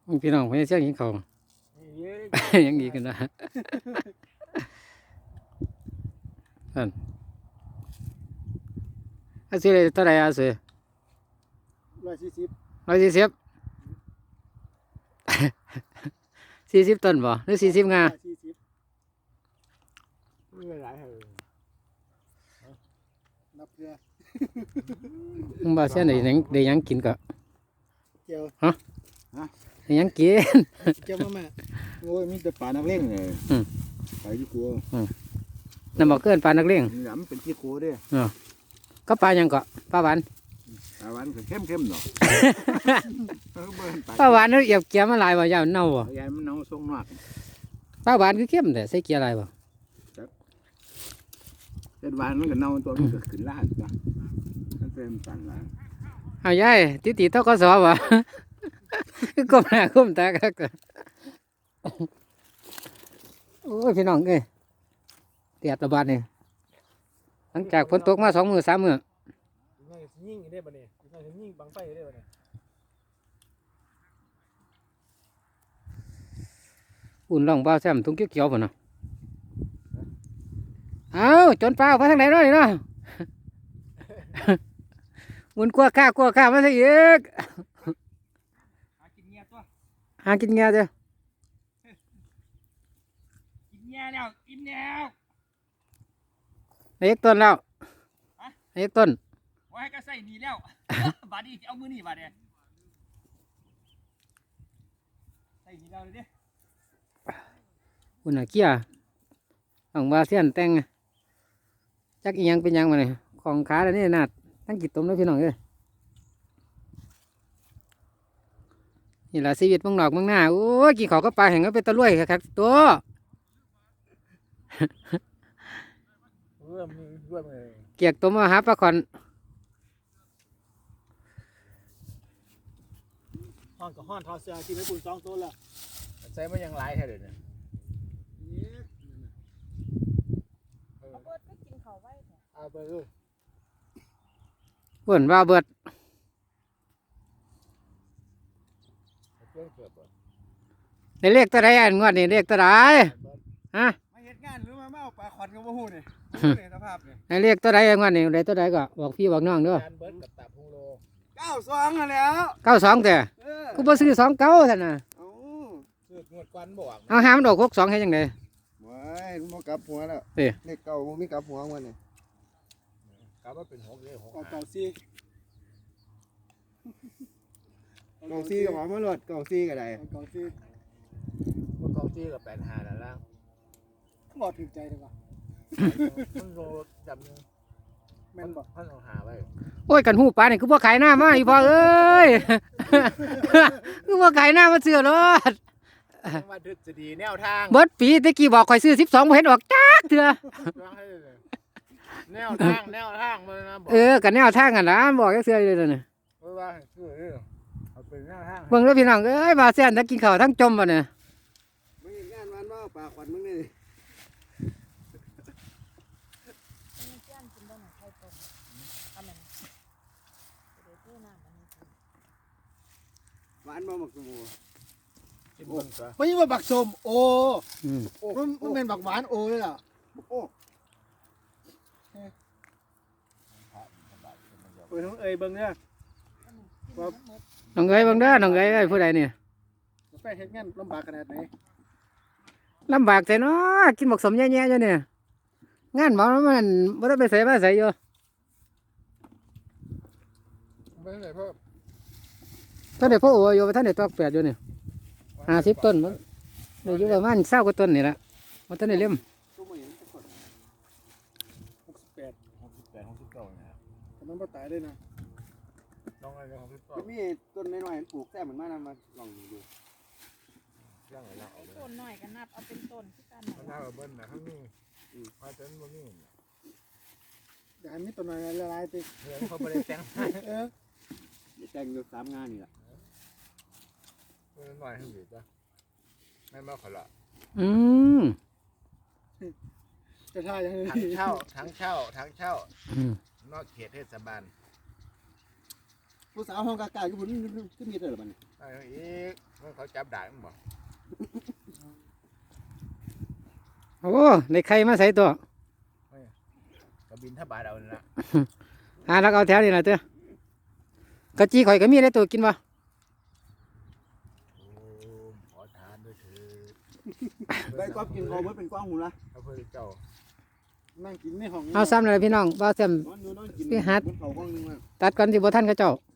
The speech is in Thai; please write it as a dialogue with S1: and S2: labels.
S1: พี่น้องไม่เชี่ยงกินข้าว
S2: เยอะ
S1: ยังดีกันนะนั่นอาซื้อเลยเท่าไหร่อาซื้อ
S2: 140
S1: 140 40 ต้นบ่หรือ40 งา
S2: 40ไม่หลายเหรอนับเพื่อ
S1: มึงบ่เสียได้หยังกินก็
S2: เจียว
S1: ได้หยังกิน
S2: เจียวมาแม่โอ้ยมีแต่ปลานักเล่งเลย
S1: อืม
S2: ปลาที่กลัว
S1: น้ำบ่เกินปลานักเลี้ยง
S2: หลำเป็นที่กลัวด้วย
S1: ก็ปลาหยังก็ปลาหวาน
S2: ปลาหวานก็เข้มๆเนาะเบิ่ง
S1: ปลาหวานเนาะเอียบเกียมาหลายบ่ยาวเน่าบ่
S2: ยายมันเอาทรงนอก
S1: ปลาหวานคือเข้มแต่ใส่เกียร์หลายบ่
S2: เด็ดหวานมันก็เน่าตัวมันก็ขึ้นลาดจ้ะมันเป็นสั่นละ
S1: เอายายติทกสบ่คือก้มหน้าก้มตาคักโอ้ยพี่น้องเอ้ยเตียดระบาดนี่หลังจากฝนตกมา2 มื้อ 3 มื้อ
S2: ยิ่งได้ป่ะเนี่ยยิ่งบังไฟได้ป่ะเนี่ย
S1: อุ่นร่องเบาแซมทุ่งเขียวๆพุ่นน่ะเอาจนเปล่าไปทางไหนเนาะนี่เนาะ อุ่นกลัวข้ามาซะอีก
S2: หากินเงี้ยตัว
S1: หากินเงี้ยเด้อ
S2: กินเงี้ยแล้วกินแล้ว
S1: เอกต้นแล้วเอกต้น
S2: ว่าให้ก็ใส่นี่แล้ว บาดนี้เอามือนี่บาดเนี่ยใส่นี่แล้วเลยดิ
S1: อุ่นน่ะเกี้ยต้องว่าเสียนแต่งจักอีหยังเป็นหยังมาเนี่ยของขาแล้วนี่นาดทั้งกิดต้มแล้วพี่น้องเอ้ยนี่ล่ะชีวิตเมืองนอกเมืองหน้าโอ้ยกี่ขอก็ปลาแห้งก็เป็นตะลุ่ยครับตัว
S2: มือด้วยมือ
S1: เกียกต้มมาหาปลาขอน
S2: ห้อนกับห้อนทอเสื้อกินไปปุ่น2 ตัวละใส่มันยังหลายแท้เด้อเนี่ย
S3: เอาเบิดก็กินเขาไว้เถอะ
S2: เอาไปเลย
S1: เพิ่นว่าเบิด
S2: เพื่อนเกิดบ่
S1: ในเลขตัวใดอันงวดนี่เลขตัวใดฮะ
S2: มาเฮ็ดงานหรือมาเอาปลาขอนกับบ่ฮู้นี่นี่สภาพนี่
S1: ในเลขตัวใดอันงวดนี่เลขตัวใดก็บอกพี่บอกน้องเด้อ
S2: การเบิดกับตับฮูโล92นั่นแล้ว
S1: 92แต่กูบ่ซื้อ29ซั่นน่ะ
S2: เอ้าซื้องวดก่อนบ่
S1: เอาหามันดอก62เฮ็ดจังได๋
S2: ว้ายมันบ่กลับหัวแล้ว
S1: เอ้
S2: เลขเก่าบ่มีกลับหัวมันนี่กลับว่าเป็น6เลย6เก่าซี่เก่าซี่ก็หอมมาโลดเก่าซี่ก็ได้เก่าซี่บ่เก่าซี่ก็85นั่นล่ะบ่ถูกใจเลยว่ะมันโลจำนึงแม่นบ่พันเอาหาไว้
S1: โอ้ยกันหูปลานี่คือบ่ขายหน้ามาอีพ่อเอ้ย คือบ่ขายหน้ามาซื้อรถ
S2: ว่าทฤษฎีแนวทาง
S1: เบิดปีตะกี้บอกข่อยซื้อ12บ่เห็นออกจักเทื่อ
S2: แนวทางมันนะบอก
S1: กันแนวทางกันล่ะบอกจักเทื่อเลยนั่นน่ะ
S2: ว่าคือเอาเป็นแนวทาง
S1: เบิ่งเด้อพี่น้องเอ้ยมาแซ่นทั้งกินข้าวทั้งจมบ่เนี่ย
S2: มึงงานวันว่าปลาขวัญมึงนี่
S3: มีเพื่อนกินได้หน่อยไข่ต้มทำมันเดี๋ยวเพื่อนน้ำมันกิน
S2: หวานบ่หมักสมูไม่ใช่ว่าบักสมโอ
S1: อืม
S2: มันเป็นบักหวานโอเลยล่ะโอ้เน้องเอ๋ยเบิ่งเนี่ย
S1: น้องเอ้ยเบิ่งเด้อน้องเอ้ยเอ้ยผู้ใดเนี่ย
S2: ไปเฮ็ดงานลำบากขนาดไหน
S1: ลำบากแต่เนาะกินหมกสมแย่ๆอยู่เนี่ยงานหมอมันบ่ได้ไปไสมาไสอยู่
S2: ไม่ใช่พ่อ
S1: ท่านได้พ่อโออยู่ท่านได้ตอกแปดอยู่เนี่ย50 ต้นมันได้อยู่ประมาณ20 กว่าต้นนี่ล่ะบ่ทันได้เล่ม
S2: ตัวมึงเห็นคน68เนี่ยแต่มันบ่ตายเลยนะลองอะไร68จะมีต้นน้อยๆปลูกแซ่เหมือนมานำมาลองดูย่างอะไร
S3: ไอ้ต้นหน่อยก็นับเอาเป็นต้นที่กัน
S2: มันน่าเบิ้ลนะข้างนี้มาจนวันนี้เดี๋ยวมีต้นน้อยละลายติเดี๋ยวเขาไปแต่งแต่งอยู่3 งานนี่แหละต้นน้อยให้อยู่จ้ะแม่มาขละ
S1: อืม
S2: จะท่ายังไงทั้งเช่านอกเขตเทศบาลผู้สาวห้องกากาอยู่พุ่นขึ้นมีเท่าไหร่บ้าง
S4: ไอ้อีกมันเขาจับได้มั้งบ่
S1: โอ้ในใครมาใส่ตัว
S4: ก็บินทบาทเอานี่ละ
S1: แล้วเอาแถวนี่ล่ะเด้อกะจีข่อยก็มีได้ตัวกินบ่
S4: โอ้ขอทานด้วยเถิด
S2: ได้ก๊อบกินคอมันเป็นกว้างหูละ
S4: พระพุทธเจ้า
S2: นั่งกินในห้อง
S1: เอาซ้ำเลยพี่น้องบ่แซม
S2: นอนอยู่นอนกิน
S1: ไปหัด
S2: บนเขาห้องนึงมา
S1: ตัดก่อนสิบ่ทันเขาเจ้า